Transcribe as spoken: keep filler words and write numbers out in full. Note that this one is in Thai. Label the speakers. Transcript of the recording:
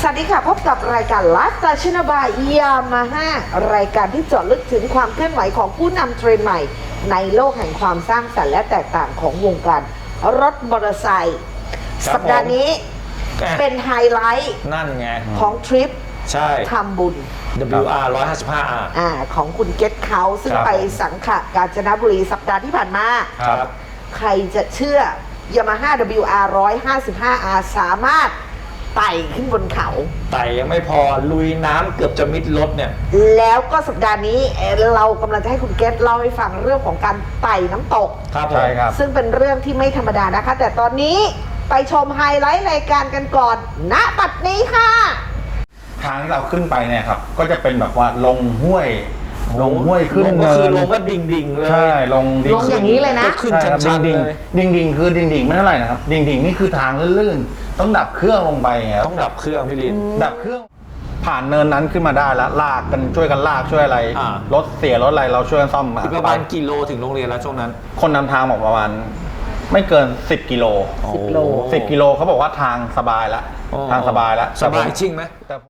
Speaker 1: สวัสดีค่ะพบกับรายการไลฟ์สไตล์ชนบายยามาฮ่ารายการที่เจาะลึกถึงความเคลื่อนไหวของผู้นำเทรนด์ใหม่ในโลกแห่งความสร้างสรรค์และแตกต่างของวงการรถมอเตอร์ไซค์สัปดาห์นี้เป็นไฮไลท์
Speaker 2: นั่นไง
Speaker 1: ของทริป
Speaker 2: ใช่
Speaker 1: ทำบุญ
Speaker 2: ดับเบิลยู อาร์ หนึ่งร้อยห้าสิบห้า อาร์
Speaker 1: อ่าของคุณเกตเขาซึ่งไปสังขะกาญจนบุรีสัปดาห์ที่ผ่านมา
Speaker 2: ครับ
Speaker 1: ใครจะเชื่อ Yamaha ดับเบิลยู อาร์ หนึ่งร้อยห้าสิบห้า อาร์ สามารถไต่ขึ้นบนเขา
Speaker 2: ไต่ยังไม่พอลุยน้ำเกือบจะมิดรถเนี่ย
Speaker 1: แล้วก็สัปดาห์นี้เอ่อเรากำลังจะให้คุณเกตเล่าให้ฟังเรื่องของการไต่น้ำตก
Speaker 2: ครับผม
Speaker 3: ใช่ครับ
Speaker 1: ซึ่งเป็นเรื่องที่ไม่ธรรมดานะคะ แต่ตอนนี้ไปชมไฮไลท์รายการกันก่อน ณ บัดนี้ค่ะ
Speaker 3: ทางที่เราขึ้นไปเนี่ยครับก็จะเป็นแบบว่าลงห้วยลงห้วยขึ้น
Speaker 2: ลงก็
Speaker 3: เนิ
Speaker 2: คือน ลงก็ดิ่งดิ่งๆเลย
Speaker 3: ใช่ลงดิ่
Speaker 1: ลงอย่างนี้เลยนะ
Speaker 2: ก็ขึ้น
Speaker 3: ใช่ครับ
Speaker 2: ชั
Speaker 3: ดิ่
Speaker 2: น
Speaker 3: ง
Speaker 2: ๆ
Speaker 3: ดิ่ง
Speaker 2: เลย
Speaker 3: ดิ่งดิ่งคือดิ่งดิ่งไม่เท่าไหร่นะครับดิ่งดิ่งนี่คือทางลื่นๆต้องดับเครื่องลงไปไงครับ
Speaker 2: ต้องดับเครื่องพี่ลิน
Speaker 3: ดับเครื่องผ่านเนินนั้นขึ้นมาได้แล้วลากกันช่วยกันลากช่วยอะไร
Speaker 2: อ่าร
Speaker 3: ถเสียรถอะไรเราช่วยกันซ่อม
Speaker 2: อีกประมาณกี่โลถึงโรงเรียนแล้วช่วงนั้น
Speaker 3: คนนำทางบอกประมาณไม่เกินสิบกิโล
Speaker 1: สิบโล
Speaker 3: สิบกิโลเขาบอกว่าทางสบายแล้ว
Speaker 2: อ๋อ
Speaker 3: ทางสบายแล้ว
Speaker 2: สบายจริงไหม
Speaker 3: แต่